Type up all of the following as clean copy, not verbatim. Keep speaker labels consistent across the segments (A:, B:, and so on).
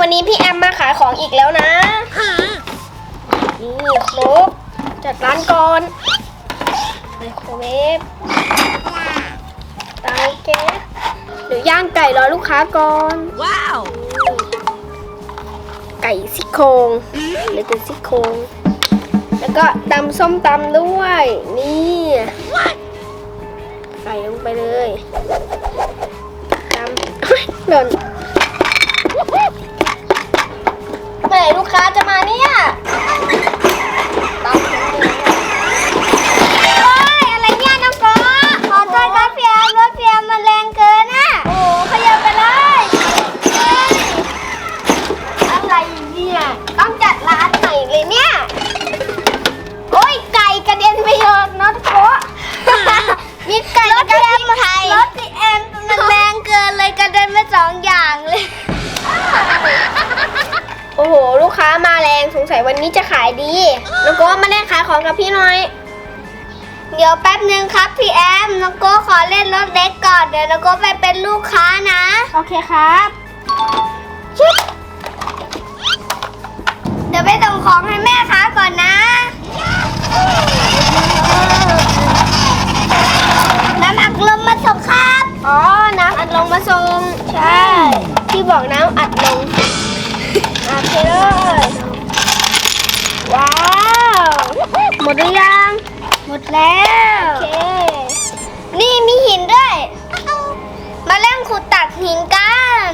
A: วันนี้พี่แอมมาขายของอีกแล้วนะนี่ครบจัดร้านก่อนไมโครเวฟเตาแก๊สเดี๋ยวย่างไก่รอลูกค้าก่อนว้าวไก่ซี่โครงหรือเป็นซี่โครงแล้วก็ตำส้มตำด้วยนี่ใส่ลงไปเลยตำหล่นเมื่อไหร่ลูกค้าจะมาเนี่ยตำอะไรเนี่ยน้องก๊อขอโทษครับพี่แอมรถพี่แอมมันแรงเกินอ่ะโอ้ขยับไปเลยอะไรเนี่ยต้องจัดร้านใหม่เลยเนี่ยโอ้ยไก่กระเด็นไปโยนน้องก๊อมีไก่กระเด็นไทยรถพี่แอมมันแรงเกินเลยกระเด็นไปสองอย่างเลยโอ้โหลูกค้ามาแรงสงสัยวันนี้จะขายดีน้องโก้มาเล่นขายของกับพี่หน่อยเดี๋ยวแป๊บนึงครับพี่แอมน้องโก้ขอเล่นรถเล็กก่อนเดี๋ยวน้องโก้ไปเป็นลูกค้านะโอเคครับเดี๋ยวไปส่งของให้แม่ค้าก่อนนะน้ำอัดลมมาส่งครับอ๋อน้ำอัดลมมาส่งใช่ที่บอกน้ำอัดลมโอเคเลยว้าวหมดหรือยังหมดแล้วโอเคนี่มีหินด้วยมาเล่นขุดตักหินกัน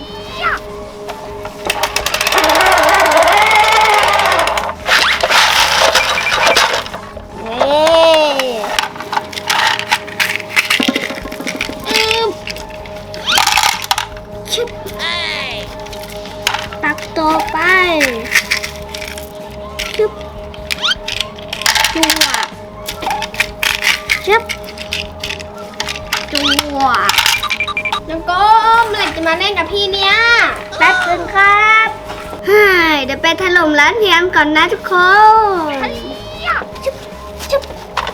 A: ตักต่อไปชุบจั่วชุบจั่วน้องโก้เมื่อไหร่จะมาเล่นกับพี่เนี่ยแป๊บนึงครับเดี๋ยวไปถล่มร้านพี่แอมก่อนนะทุกคนชุบชุบ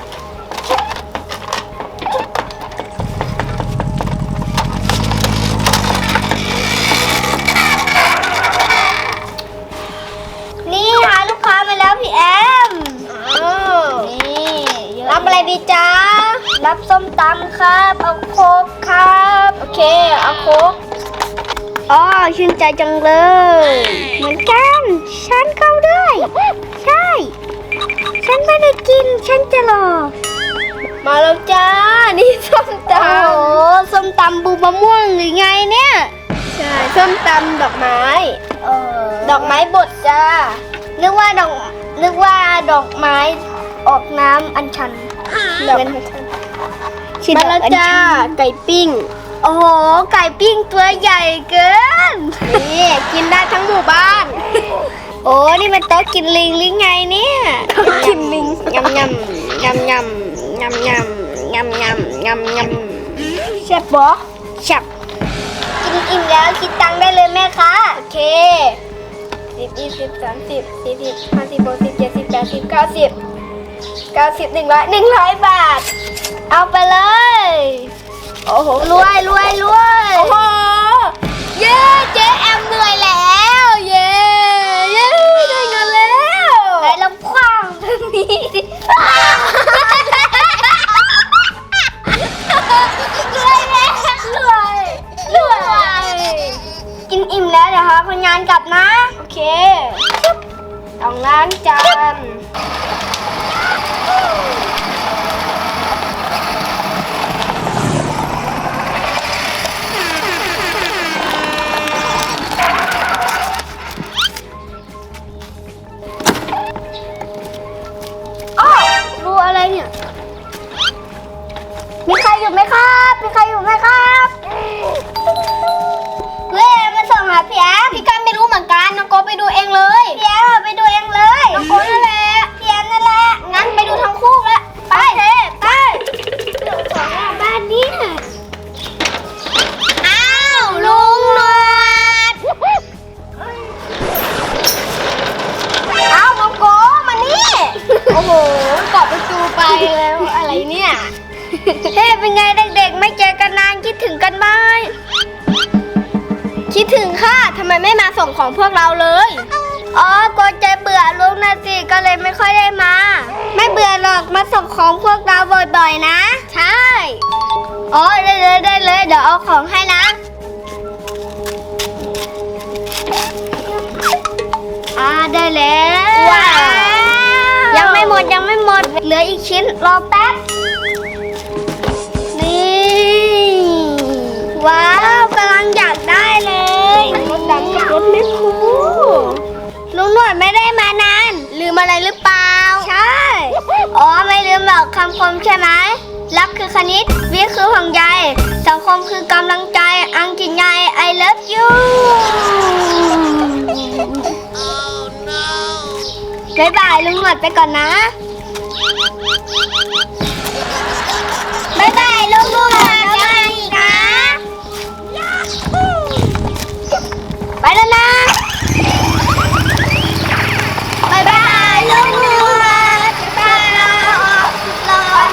A: นี่หาลูกค้ามาแล้วพี่แอมนี่รับอะไรดีจ๊ะรับส้มตำครับเอาโค้กครับโอเคเอาโค้กอ๋อชื่นใจจังเลยเหมือนกันฉันเข้าด้วยใช่ฉันไม่ได้กินฉันจะรอมาแล้วจ้านี่ส้มตำโอ้ส้มตำบูมะม่วงหรือไงเนี่ยใช่ส้มตำดอกไม้ดอกไม้บดจ้านึกว่าดอกไม้ออกน้ำอัญชันมาแล้วจ้าไก่ปิ้งโอ้โหไก่ปิ้งตัวใหญ่เกินนี่กินได้ทั้งหมู่บ้านโอ้นี่มันโต๊ะกินลิงหรือไงเนี่ยโต๊ะกินลิงยำยำยำยำยำยำยำยำยำยำแซ่บบ่แซ่บกินอิ่มแล้วคิดตังค์ได้เลยแม่คะโอเค10 20 30 40 50 60 70 80 90 100 บาทเอาไปเลยโอ้โหรวยโอ้โหเย้เจ๊แอมเหนื่อยแล้วเย้ได้เงินแล้วไหนลองคว้างตรงนี้ดิรวยกินอิ่มแล้วเดี๋ยวหาคนงานกลับนะโอเคต้องล้างจานรูอะไรเนี่ยมีใครอยู่ไหมครับเล่มาส่งหาพี่แอมพี่กันไม่รู้เหมือนกันน้องโก้ไปดูเองเลยพี่แอมไปดูเองเลยน้องโก้นั่นแหละพี่แอมนั่นแหละงั้นไปดูทั้งคู่ละไปเดี๋ยวของบ้านนี้อ้าวลุงหนวดอ้าวน้องโก้มานี่โอ้โหเกาะประตูไปแล้วอะไรเนี่ยเฮ้เป็นไงเด็กๆไม่เจอกันนานคิดถึงกันไหมคิดถึงค่ะทำไมไม่มาส่งของพวกเราเลยอ๋อก็ใจเบื่อลุงนะสิก็เลยไม่ค่อยได้มา ไม่เบื่อหรอกมาส่งของพวกเราบ่อยๆนะใช่อ๋อได้เลยเดี๋ยวเอาของให้นะได้แล้วว้าวยังไม่หมดเหลืออีกชิ้นรอแป๊บนี่ว้าวกำลังอยากได้เลยรถดำกับรถไม่คูลุงหนวดไม่ได้มานานลืมอะไรหรือเปล่าใช่อ๋อไม่ลืมหรอกคำคมใช่ไหมรักคือคณิตวิทย์คือห่วงใยสังคมคือกำลังใจอังกฤษไง I love you บ๊ายบายลุงหนวดไปก่อนนะบ๊ายบายลุงหนวดแล้วมาอีกนะไปแล้วนะบ๊ายบายลุงหนวดบ๊ายบายร้อน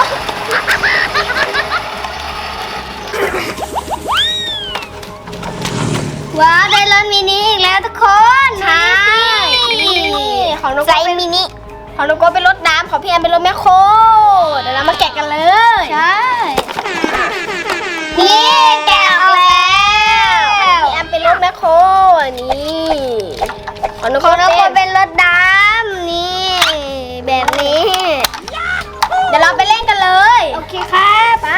A: ว้าวได้รถมินิอีกแล้วทุกคนใช่ของน้องโก้เป็นมินิของน้องโก้เป็นรถน้ำของพี่แอมเป็นรถแมคโครเดี๋ยวเรามาแกะกันเลยใช่นี่แกะออกแล้วพี่แอมเป็นรถแมคโครนี่ของน้องโก้เป็นรถน้ำนี่แบบนี้เดี๋ยวเราไปเล่นกันเลยโอเคครับไป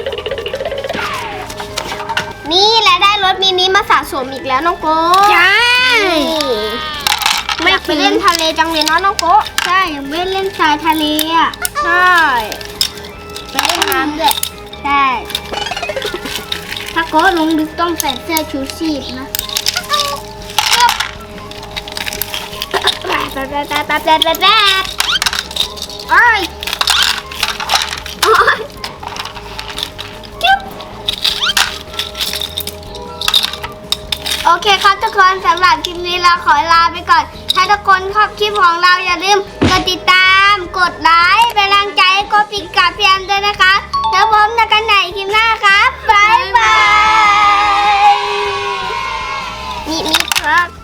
A: นี่แหละได้รถมินิมาสะสมอีกแล้วน้องโก้ใช่ไม่ไปเล่นทะเลจังเลยเนาะน้องโก้ใช่ยังไม่เล่นทรายทะเลอ่ะใช่ไปเล่นน้ำด้วยใช่ถ้าโก้ลงลึกต้องใส่เสื้อชูชีพนะโอ้ยโอเคครับทุกคนสำหรับคลิปนี้เราขอลาไปก่อนถ้าทุกคนชอบคลิปของเราอย่าลืมกดติดตามกดไลค์เป็นกำลังใจให้โกปิกกับพี่แอมด้วยนะคะแล้วพบกันใหม่คลิปหน้าครับบ๊ายบายมิครับ